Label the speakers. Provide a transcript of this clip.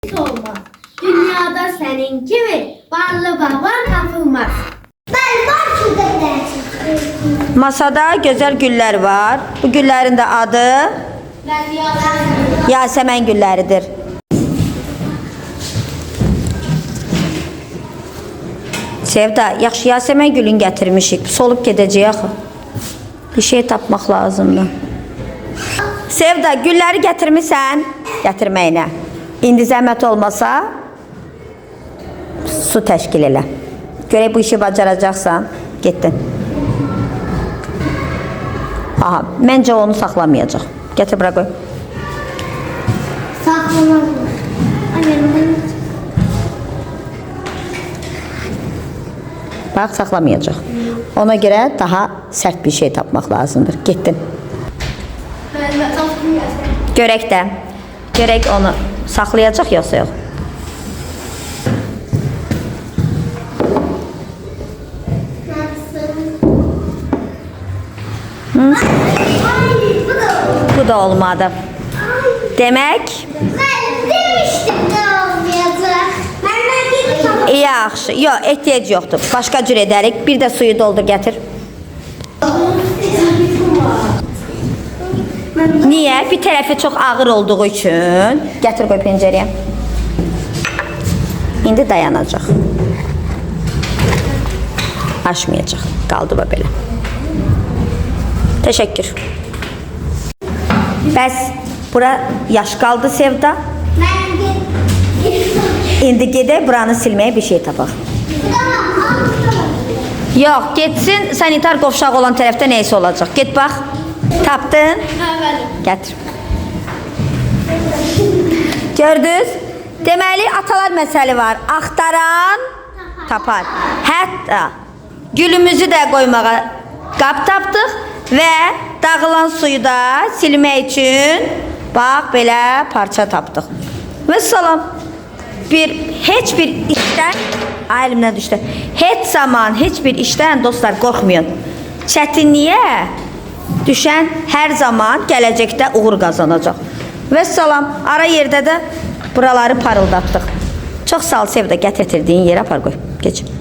Speaker 1: olmaz. Dünyada senin gibi varlı baban tapılmaz. Ben var şurada.
Speaker 2: Masada gözəl güllər var. Bu güllərin də adı Yasəmən gülləridir. Sevda, yaxşı Yasəmən gülün gətirmişik. Solub gedəcək axı. Bir şey tapmaq lazımdır. Sevda, gülləri gətirmisən? Gətirməyinə. İndi zəhmət olmasa su təşkil elə. Görək bu işi bacaracaqsan. Getdin. Aha, məncə onu saxlamayacaq. Gətir, bura qoy.
Speaker 1: Saklamaz mı?
Speaker 2: Bax, saxlamayacaq. Ona görə daha sərt bir şey tapmaq lazımdır. Getdin. Görək də. Görək onu saxlayacaq yoxsa yox. Bu da olmadı. Demək,
Speaker 1: Ben demiştim de olmayacak. Benden geri
Speaker 2: yaxşı. Yox, ehtiyac yoxdur. Başqa cür edərik. Bir də suyu doldur, gətir. Niyə? Bir tərəfi çox ağır olduğu üçün. Gətir, qoy pencərəyə. İndi dayanacaq. Aşmayacaq. Qaldı bu belə. Təşəkkür. Bəs bura yaş qaldı Sevda. İndi gedək buranı silməyə bir şey tapaq. Yox, getsin sanitar qovşaq olan tərəfdə neysə olacaq. Get bax. Tapdın? Gətir. Gördünüz? Deməli atalar məsəli var. Axtaran tapar. Hətta gülümüzü də qoymağa qab tapdıq və dağılan suyu da silmək üçün bax belə parça tapdıq. Və salam. Heç bir işdən əlimdən düşdü. Heç zaman heç bir işdən dostlar qorxmayın. Çətinliyə düşən hər zaman gələcəkdə uğur qazanacaq. Və salam. Ara yerdə də buraları parıldatdıq. Çox sağ ol Sevda, gətirdiyin yerə apar qoy. Geç.